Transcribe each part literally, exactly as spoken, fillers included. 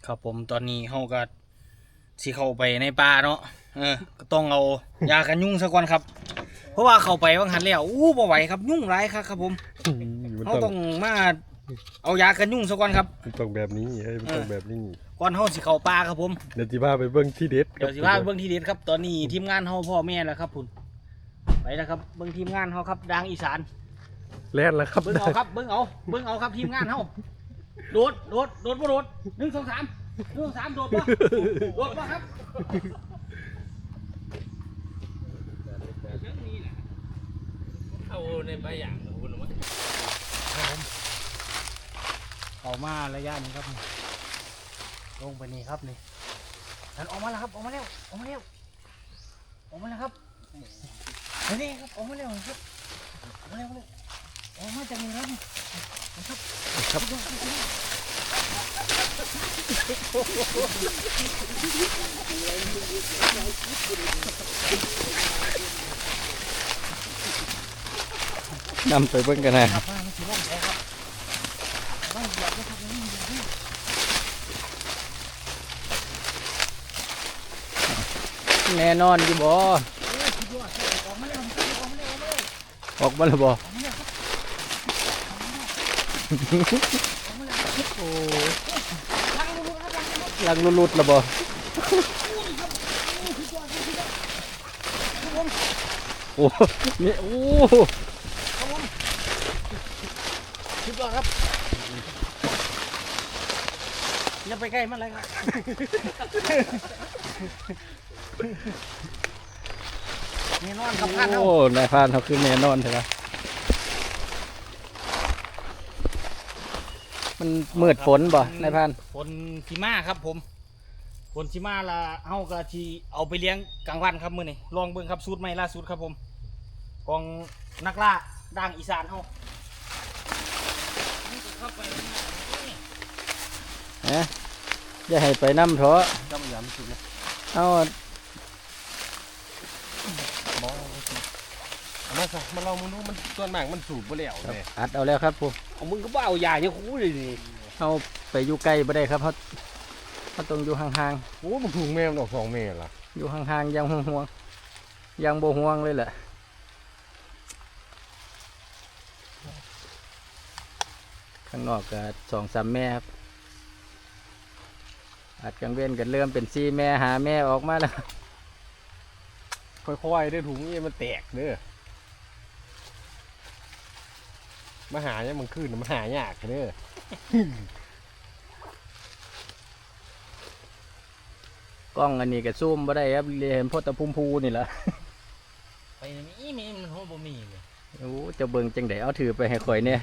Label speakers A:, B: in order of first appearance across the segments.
A: ครับผมตอนนี้เฮาก็สิเข้าไปในป่าเนาะเออก็ต้องเอายากันยุงซะก่อนครับเพราะว่าเข้าไปว่าหันแล้วอู้บ่ไหวครับยุ่งหลายครับครับผมเฮาต้องมาเอายากันยุงซะก่อนครับ
B: มันต้องแบบนี้เฮ้ยมันต้องแบบนี้
A: ก่อนเฮาสิเข้าป่าครับผม
B: เดี๋ยวสิพาไปเบิ่งที่เด็ด
A: เดี๋ยวสิพาไปเบิ่งที่เด็ดครับตอนนี้ทีมงานเฮาพ่อแม่แล้วครับพุ่นไปแล้วครับเบิ่งทีมงานเฮาครับดังอีสาน
B: แล่นแล้วครับ
A: เบิ่งเอาครับเบิ่งเอาเบิ่งเอาครับทีมงานเฮาโดดโดดโดดบ่โดดหนึ่งสองสามหนึ่งสองสามโดดบ่โดดบ่ครับ
C: เอาในใบอย่างคุณว่า
A: เข้ามาระยะนี้ครับลงไปนี่ครับนี่นั่นออกมาแล้วครับออกมาแล้วออกมาแล้วออกมาแล้วครับนี่ครับออกมาแล้วครับออกมาแล้วออกมาจากนี่แล้วนี่ครับครับ
B: นำไปเบิ่งกันนะ
C: แน่นอนอยู่บ่ออกมาแล้วบ่โอ้ลังลุดๆแล้วบ่โอ้นี่โอ้
A: คิดว่าครับอย่าไปใกล้มันเลยครับแน่นอนครับพานเฮา
C: โอ้นายพานเขาคือแน่นอนใช่ไหมมันมืดฝนบ่นายพาน
A: ฝนชิมาครับผมฝนชิมาละเฮาก็ที่เอาไปเลี้ยงกลางวันครับมื้อนี้ลองเบิ่งครับสูตรใหม่ล่าสุดครับผมกองนักล่าด่างอีสานเฮา
C: ฮะอย่าให้ไปน้ำเถอะ
B: จำยำสุดนะ
C: เอา
B: มาซะมาลองมึงดูมันส่วนมากมันสูบบ่แล้วเลย
C: อัดเอาแล้วครับผม
A: เอามึงก็บ่เอายาเนี่ยคู่เลยนี่
C: เอาไปอยู่ใกล้บ่ได้ครับเขาเขาต้องอยู่ห่าง
B: โอ้มันถูกแม่มันออกสองแม่ล่ะ
C: ๆอยู่ห่างๆยังห่วงๆยังบ่ห่วงเลยแหละข้างนอกก็สองสามแม่ครับอัดกังเว้นกันเริ่มเป็นซีแม่หาแม่ออกมาแล้ว
B: ค่อยๆได้ถุงนี่มันแตกเด้อมาหาเนี่ยมันขึ้นมาหายากเด้อ
C: กล้องอันนี้ก็ซูมบ่ได้ครับเรียนพ่อตะพุ่มพูนี่แหละ
A: ไปนี่มีมันโหบ่มีเลย
C: โอ้จะเบิ่งจังไดเอาถือไปให้ข่อยเนี่ย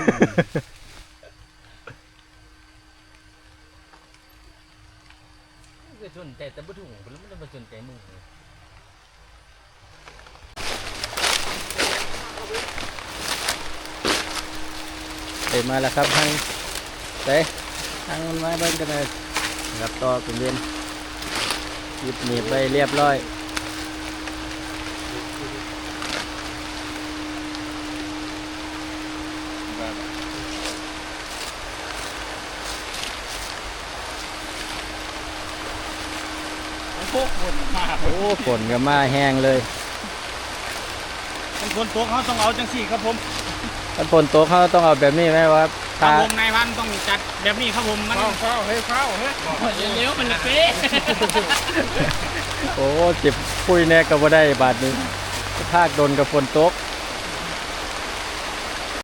A: ก็สนใจแต่บ่ถูกแล้วมันบ่สนใจมึง
C: ไปมาแล้วครับทางไปทางมาเบิ่งกันเลยครับต่อเป็นเวียนหยิบหนีบไปเรียบร้อย
A: พวกฝนมา
C: โอ้ฝนก็มาแห้งเลย
A: เป็นฝนตกเขาต้องเอาจังสี่ครับผม
C: ถ้าฝนตกเขาต้องเอาแบบนี้ไหมวะ
A: ครับผมนายพันต้องจัดแบบนี้ครับผมมัน
B: เข้าเฮ้ยเข้าเฮ้ย
A: เร็วๆมันเป๊ะ
C: โอ้เจ็บปุ้ยแน่ก็บ่ได้บาดนี้ภาคโดนกับฝนตก